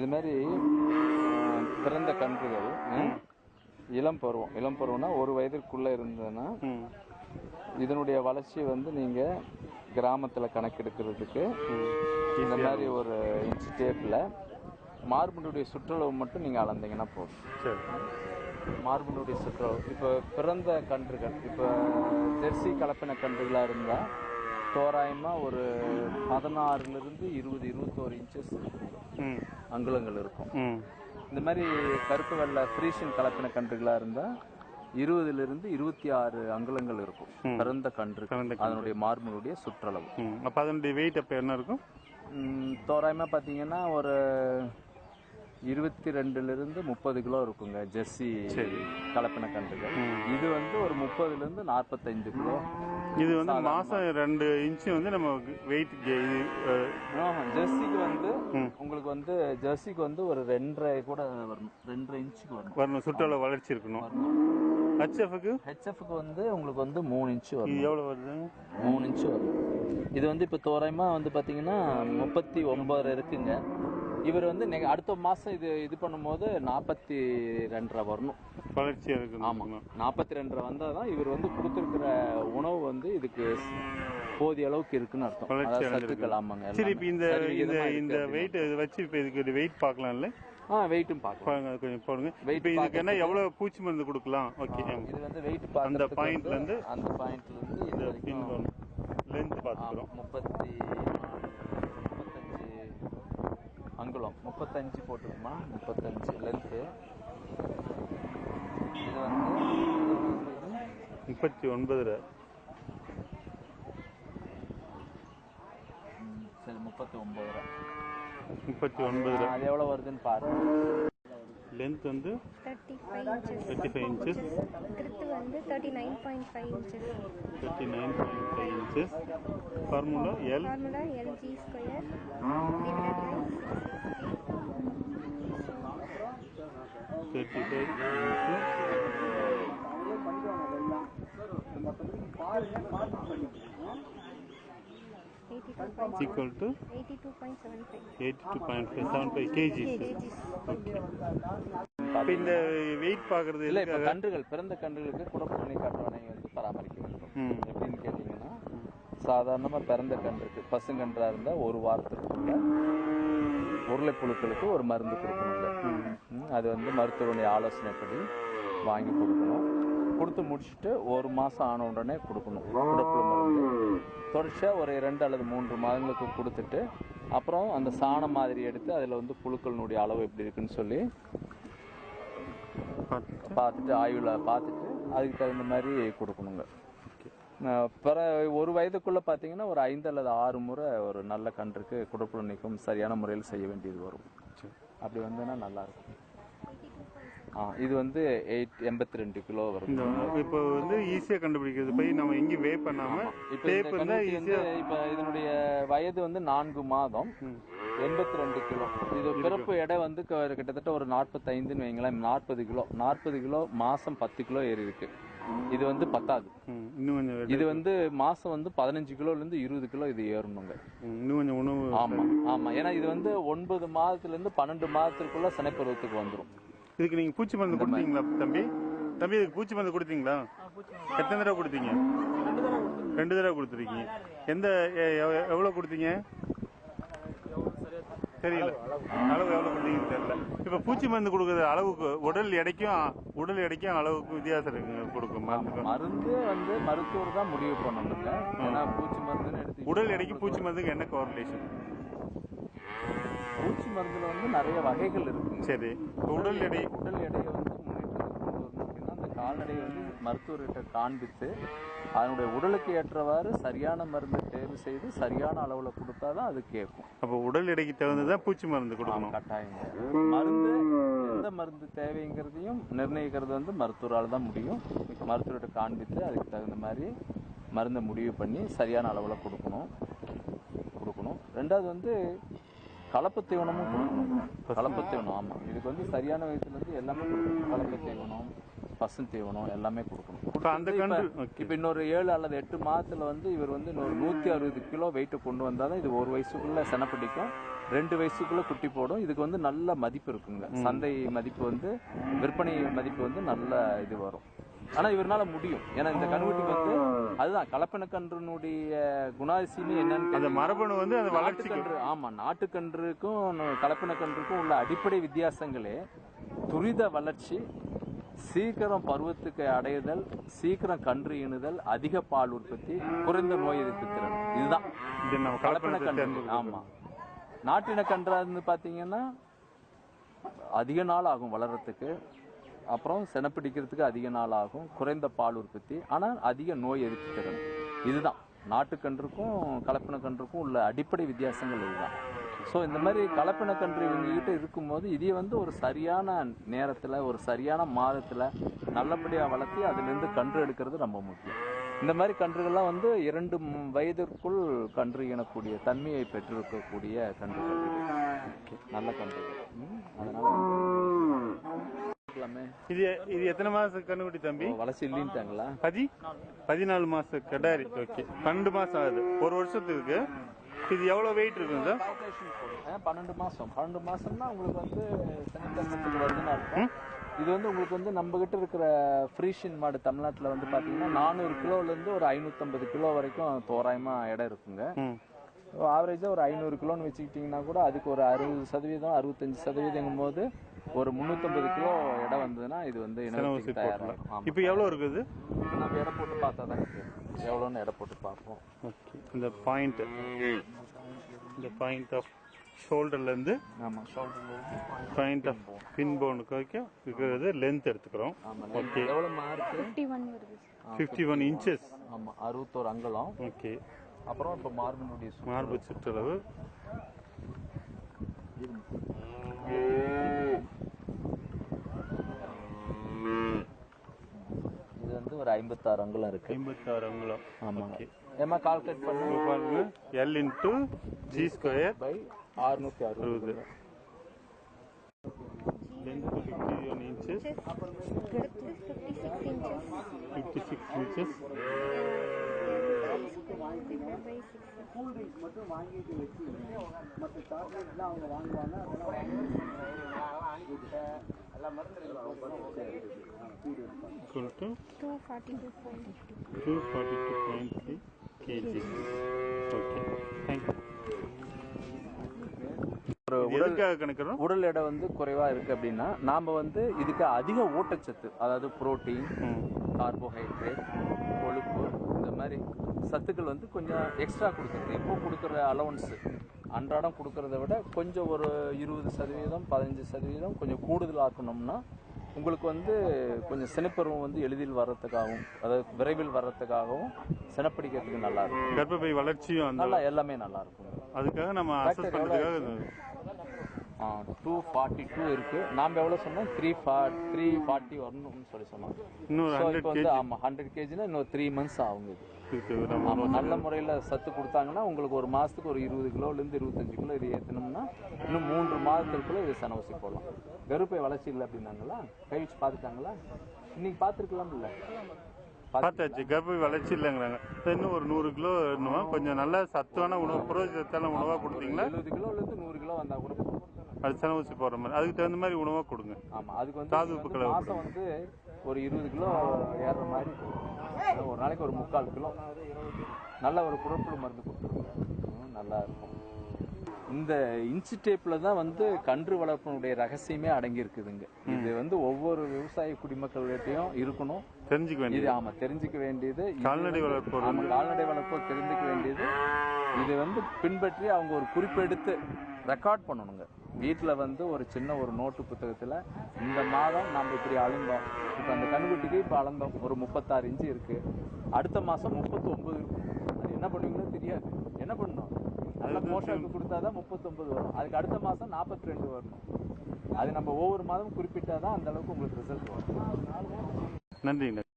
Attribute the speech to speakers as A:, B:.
A: இது மாதிரி பிறந்த கன்றுகள் இளம் பருவம்னா 1 வயதிற்குள்ள இருந்ததுன்னா இதனுடைய வளர்ச்சி வந்து நீங்க கிராமத்துல கணக்கெடுக்கிறதுக்கு இந்த மாதிரி ஒரு இன்ச் டேப்ல மார்பினுடைய சுற்றளவு மட்டும் நீங்க அளந்தீங்கன்னா போதும். மார்பினுடைய சுற்றளவு இப்போ பிறந்த கன்றுகள் இப்போ ஜெர்சி கலப்பின கன்றுகளா இருந்தா தோராயமா ஒரு 16 to 21 இன்ச்சஸ் இருக்குங்க, அங்குலங்கள் இருக்கும். இந்த மாதிரி கருப்பு வெள்ளை ஃப்ரீஷன் கலப்பின கன்றுகளா இருந்தா 20 to 26 அங்குலங்கள் இருக்கும் பிறந்த கன்று, அதனுடைய மார்பினுடைய சுற்றளவு.
B: அப்ப அதனுடைய வெயிட் அப்ப என்ன இருக்கும்?
A: தோராயமா பாத்தீங்கன்னா ஒரு 22 to 30 கிலோ இருக்குங்க ஜெர்சி கலப்பின கன்றுகள். இது வந்து ஒரு 30 to 45 கிலோ.
B: இது வந்து மாசம் 2 இன்ச் வந்து நம்ம வெயிட்.
A: ஜெர்சிக்கு வந்து உங்களுக்கு வந்து ஜெர்சிக்கு வந்து ஒரு 2.5 கூட வரணும், 2.5 இன்ச்சுக்கு வரணும்
B: சுற்றளவு வளர்ச்சி இருக்கணும்.
A: ஹெச்எஃப்க்கு வந்து உங்களுக்கு வந்து 3 இன்ச் வரும்.
B: எவ்வளவு வருது?
A: 3 இன்ச் வரும். இது வந்து இப்ப தோராயமா வந்து பாத்தீங்கன்னா 39 இருக்குங்க. இவர் வந்து அடுத்த மாசம் இது பண்ணும்போது 42 வரணும்
B: வளர்ச்சியா இருக்கு.
A: ஆமா, 42 வந்தாதான் இவர் வந்து கொடுத்திருக்கிற உணவு வந்து இதுக்கு போதிய அளவுக்கு இருக்குன்னு அர்த்தம். சத்துக்கள். ஆமாங்க.
B: சரி, இப்ப இந்த வெயிட் வச்சு இப்ப இதுக்கு வெயிட் பார்க்கலாம்ல?
A: வெயிட்டும் பார்க்கலாம்.
B: கொஞ்சம் போடுங்க. இப்ப இதுக்கு என்ன எவ்வளவு பூச்சி மருந்து கொடுக்கலாம்? ஓகே,
A: இது வந்து வெயிட்
B: அந்த பாயிண்ட்ல இருந்து
A: இது வரைக்கும்
B: லென்த் பார்த்துக்கிறோம்.
A: 35 அங்குலம், 35 போட்டுக்குமா, 35 லென்த்து. இது வந்து
B: 39.
A: சரி, 39.
B: அது
A: எவ்வளவு வருதுன்னு பாருங்க.
B: லென்த் வந்து 35 inches.
C: கிரித்து வந்து 39.5 inches.
B: 39.5 inches. Formula
C: LG square divided by
B: 35 equal to 82.75 kgs. இந்த வெயிட் பாக்குறது
A: இல்ல, இப்ப கன்றுகள் பிறந்த கன்றுகளுக்கு குடப்புழு நீர் காட்டுவனை வந்து பராமரிக்க வேண்டும். எப்படின்னு கேட்டீங்கன்னா, சாதாரணமா பிறந்த கன்றுக்கு பசுங்கன்றா இருந்தா 1 வாரத்திற்குள்ள உருளைப்புழுக்களுக்கு ஒரு மருந்து கொடுக்கணுங்க. அது வந்து மருத்துவருடைய ஆலோசனைப்படி வாங்கி கொடுக்கணும். கொடுத்து முடிச்சுட்டு 1 மாசம் ஆன உடனே கொடுக்கணும் குடப்புழு மருந்து. தொடர்ச்சியா ஒரு 2 அல்லது 3 மாதங்களுக்கு கொடுத்துட்டு அப்புறம் அந்த சாணம் மாதிரி எடுத்து அதுல வந்து புழுக்களினுடைய அளவு எப்படி இருக்குன்னு சொல்லி பார்த்துட்டு ஆய்வுல பார்த்துட்டு அதுக்கு தகுந்த மாதிரி கொடுக்கணுங்க. பிற 1 வயதுக்குள்ள பாத்தீங்கன்னா ஒரு 5 அல்லது 6 முறை ஒரு நல்ல கன்றுக்கு குடப்புழு நீக்கம் சரியான முறையில் செய்ய வேண்டியது வரும். அப்படி வந்ததுன்னா நல்லா இருக்கும். இது வந்து 82 கிலோ வரும்.
B: இப்போ வந்து ஈஸியா கண்டுபிடிக்கிறது போய் நம்ம எங்கேயும் வே பண்ணாம டேப் இருந்தா ஈஸியா.
A: இப்ப இதனுடைய வயது வந்து 4 மாதம், 82 கிலோ. இது பிறப்பு எடை வந்து கிட்டத்தட்ட ஒரு 45 வைங்களேன், 40 கிலோ மாசம் 10 கிலோ ஏறி இருக்கு. இது வந்து பத்தாது. இது வந்து மாசம் வந்து 15 கிலோல இருந்து 20 கிலோ இது ஏறணுங்க.
B: இன்னும் கொஞ்சம் உணவு.
A: ஆமா, ஏன்னா இது வந்து 9 மாதத்துல இருந்து 12 மாதத்துக்குள்ள சினைப்பருவத்துக்கு வந்துடும்.
B: இதுக்கு நீங்க பூச்சி மருந்து கொடுத்தீங்களா தம்பி? இதுக்கு பூச்சி மருந்து கொடுத்தீங்களா? எத்தனை தடவை கொடுத்தீங்க? 2 தடவை கொடுத்துருக்கீங்க. எவ்வளவு கொடுத்தீங்க தெரியல, அளவு எவ்வளவு கொடுத்தீங்கன்னு தெரியல. இப்ப பூச்சி மருந்து கொடுக்கறது அளவுக்கு உடல் எடைக்கும் அளவுக்கு வித்தியாசம் இருக்குங்க. கொடுக்கும்
A: மருந்து வந்து மருத்துவர் தான் முடிவு பண்ணணுங்க. ஏன்னா பூச்சி மருந்து
B: உடல் எடைக்கு பூச்சி மருந்துக்கு என்ன கோரிலேஷன்?
A: பூச்சி மருந்துல வந்து நிறைய வகைகள் இருக்கு.
B: சரி, உடல் எடையை
A: வந்து முன்னேற்றத்துக்கு கொண்டு வரணும் அப்படின்னா அந்த கால்நடையை வந்து மருத்துவர்கிட்ட காண்பித்து அதனுடைய உடலுக்கு ஏற்றவாறு சரியான மருந்து தேர்வு செய்து சரியான அளவுல கொடுத்தாதான் அது கேட்கும்.
B: அப்ப உடல் எடைக்கு தகுந்ததான் பூச்சி மருந்து கொடுக்கணும்.
A: கட்டாயம். மருந்து எந்த மருந்து தேவைங்கிறதையும் நிர்ணயிக்கிறது வந்து மருத்துவரால் தான் முடியும். மருத்துவர்கிட்ட காண்பித்து அதுக்கு தகுந்த மாதிரி மருந்தை முடிவு பண்ணி சரியான அளவுல கொடுக்கணும். 2வது வந்து கலப்பு தீவனமும் கொடுக்கணும். கலப்பு தீவனம், ஆமா, இதுக்கு வந்து சரியான வயசுல இருந்து எல்லாமே கொடுக்கணும். கலப்பு தீவனம், பசு தீவனம் எல்லாமே கொடுக்கணும். இப்ப இன்னொரு 7 அல்லது 8 மாதத்துல வந்து இவர் வந்து இன்னொரு 160 கிலோ வெயிட் கொண்டு வந்தாதான் இது 1 வயசுக்குள்ள செனப்பிடிக்கும். 2 வயசுக்குள்ள குட்டி போடும். இதுக்கு வந்து நல்ல மதிப்பு இருக்குங்க. சந்தை மதிப்பு வந்து விற்பனை மதிப்பு வந்து நல்ல இது வரும். ஆனா இவரால முடியும். ஏன்னா இந்த கன்றுக்குட்டிக்கு வந்து அதுதான் கலப்பின கன்றுனுடைய குணாதிசயமே என்னன்னு
B: அந்த மரபணு வந்து அந்த வளர்ச்சி
A: கன்று. ஆமா, நாட்டுக்கன்றுக்கும் கலப்பின கன்றுக்கும் உள்ள அடிப்படை வித்தியாசங்களே துரித வளர்ச்சி, சீக்கிரம் பருவத்துக்கு அடையுதல், சீக்கிரம் கன்று ஈனுதல், அதிக பால் உற்பத்தி, குறைந்த நோய் எதிர்ப்பு திறன். இதுதான் கலப்பின கன்று. ஆமா, நாட்டின கன்றா இருந்து பாத்தீங்கன்னா அதிக நாள் ஆகும் வளர்றதுக்கு, அப்புறம் செனப்பிடிக்கிறதுக்கு அதிக நாள் ஆகும், குறைந்த பால் உற்பத்தி, ஆனால் அதிக நோய் எதிர்ப்பு திறன். இதுதான் நாட்டுக்கன்றுக்கும் கலப்பின கன்றுக்கும் உள்ள அடிப்படை வித்தியாசங்கள் இதுதான். ஸோ இந்த மாதிரி கலப்பின கன்று இவங்ககிட்ட இருக்கும்போது இதையே வந்து ஒரு சரியான நேரத்தில் ஒரு சரியான மாதத்தில் நல்லபடியாக வளர்த்தி அதுலேருந்து கன்று எடுக்கிறது ரொம்ப முக்கியம். இந்த மாதிரி கன்றுகள்லாம் வந்து 2 வயதிற்குள் கன்று ஈனக்கூடிய தன்மையை பெற்றிருக்கக்கூடிய கன்றுகள் நல்ல கன்றுகள். அதனால
B: இது எத்தனை மாசம் கன்றுக்குட்டி தம்பி?
A: வளர்ச்சி இல்லைன்ட்டாங்களா?
B: 14 மாசம் கடாரி. ஓகே, 12 மாசம் ஆகுது, ஒரு வருஷத்துக்கு. இது எவ்வளவு வெயிட் இருக்குங்க சார்?
A: 12 மாசம். 12 மாசம்னா உங்களுக்கு வந்து செனத்தன்மத்துக்கு வருதுன்னு அர்த்தம். இது வந்து உங்களுக்கு வந்து நம்ம கிட்ட இருக்கிற ஃப்ரீஷியன் மாடு தமிழ்நாட்டில் வந்து பாத்தீங்கன்னா 400 கிலோலேருந்து ஒரு 550 கிலோ வரைக்கும் தோராயமா இடம் இருக்குங்க. ஆவரேஜா ஒரு 500 கிலோன்னு வச்சுக்கிட்டீங்கன்னா கூட அதுக்கு ஒரு 60% 65% போது ஒரு 350 கிலோ இடம் வந்ததுன்னா இது வந்து தயாராகும்.
B: இப்போ எவ்வளவு இருக்குது?
A: நம்ம இடம் போட்டு பார்த்தா தான் எவ்வளோன்னு இடம் போட்டு பார்ப்போம்.
B: ஓகே, இந்த பாயிண்ட் ஆஃப் ஷோல்டர்ல இருந்து பாயிண்ட் ஆஃப் பின் போனுக்கு வரைக்கும் இருக்கிறது லென்த் எடுத்துக்கிறோம். ஓகே,
A: எவ்வளோ மார்க்?
B: 51 இன்ச்சஸ்.
A: ஆமா, 61 அங்குலம்.
B: ஓகே,
A: அப்புறம் இப்போ மார்பு
B: சுற்றளவு
A: இது வந்து ஒரு 56 அங்குலம் இருக்கு.
B: 56 அங்குலம்.
A: ஆமா. ஏமா கால்குலேட் பண்ணி
B: பாருங்க. L into G square
A: by 660.
B: Length 51 inches. 56 inches.
D: மட்டும் வாங்கிட்டு வச்சு மற்ற சாக்லேட்லாம் அவங்க வாங்குவாங்க. அதெல்லாம் மருந்து
B: 242.3 kg. Okay, thank you.
A: உடல் எடை வந்து குறைவா இருக்கு அப்படின்னா நாம வந்து இதுக்கு அதிக ஊட்டச்சத்து, அதாவது புரோட்டீன், கார்போஹைட்ரேட், கொழுப்பு, இந்த மாதிரி சத்துக்கள் வந்து கொஞ்சம் எக்ஸ்ட்ரா கொடுக்குறது. இப்போ கொடுக்குற அலவன்ஸ் அன்றாடம் கொடுக்கறத விட கொஞ்சம் ஒரு 20% 15% கொஞ்சம் கூடுதல் ஆக்கணும்னா உங்களுக்கு வந்து கொஞ்சம் சினைப்பருவம் வந்து எளிதில் வர்றதுக்காகவும், அதாவது விரைவில் வர்றதுக்காகவும், சினப்பிடிக்கிறதுக்கு நல்லா இருக்கும்.
B: கர்ப்பப்பை வளர்ச்சியும்
A: நல்லா எல்லாமே நல்லா இருக்கும்.
B: அதுக்காக நம்ம அசஸ் பண்றதுக்காக
A: 242 இருக்கு. நாம எவ்வளவு சொன்னோம்? 340 வரணும்னு சொல்லி சொன்னோம். இப்போ வந்து ஆமா 100 kgனா இன்னும் 3 months ஆகும். ஆமா, நல்ல முறையில சத்து கொடுத்தாங்கன்னா உங்களுக்கு ஒரு மாசத்துக்கு ஒரு 20 கிலோல இருந்து 25 கிலோ இது ஏத்தணும்னா இன்னும் 3 மாதத்துக்குள்ள இது சனவசி போடலாம். கருப்பை வளர்ச்சி இல்லை அப்படின்னாங்களா? கை வச்சு பாத்துட்டாங்களா? இன்னைக்கு பாத்துருக்கலாம் இல்ல?
B: பார்த்தாச்சு, கர்ப்பை வளர்ச்சி இல்லைங்கிறாங்க. இன்னும் ஒரு 100 கிலோ கொஞ்சம் நல்ல சத்தான உணவு, புரோஜனத்தான உணவா கொடுத்தீங்களா?
A: 70 கிலோல இருந்து 100 கிலோ வந்தா கூட
B: அது சனவசி போடுற மாதிரி அதுக்கு தகுந்த மாதிரி உணவா கொடுங்க.
A: ஆமா, அதுக்கு வந்து மாசம் வந்து ஒரு 20 கிலோ ஏறுற மாதிரி ஒரு நாளைக்கு ஒரு 3/4 கிலோ நல்ல ஒரு குடற்புழு மருந்து கொடுத்துருங்க, நல்லா இருக்கும். இந்த இன்ச்சு டேப்ல தான் வந்து கன்று வளர்ப்பினுடைய ரகசியமே அடங்கி இருக்குதுங்க. இது வந்து ஒவ்வொரு விவசாய குடிமக்கள்கிட்டையும் இருக்கணும்,
B: தெரிஞ்சுக்க வேண்டியது.
A: ஆமா, தெரிஞ்சுக்க வேண்டியது.
B: கால்நடை வளர்ப்பு
A: கால்நடை வளர்ப்போ தெரிஞ்சுக்க வேண்டியது. இது வந்து பின்பற்றி அவங்க ஒரு குறிப்பெடுத்து ரெக்கார்ட் பண்ணணுங்க. வீட்டில் வந்து ஒரு சின்ன ஒரு நோட்டு புத்தகத்தில் இந்த மாதம் நம்ம இப்படி அளந்தோம், இப்போ அந்த கன்றுக்குட்டிக்கு இப்போ அளந்தோம் ஒரு 36 இன்ச்சு இருக்கு, அடுத்த மாதம் 39 இருக்கும். அது என்ன பண்ணுவீங்களோ தெரியாது. என்ன பண்ணணும்? நல்ல போஷாக்கு கொடுத்தாதான் 39 வரும். அதுக்கு அடுத்த மாதம் 42 வரணும். அது நம்ம ஒவ்வொரு மாதமும் குறிப்பிட்டாதான் அந்த அளவுக்கு உங்களுக்கு ரிசல்ட் வரும்.
B: நன்றி.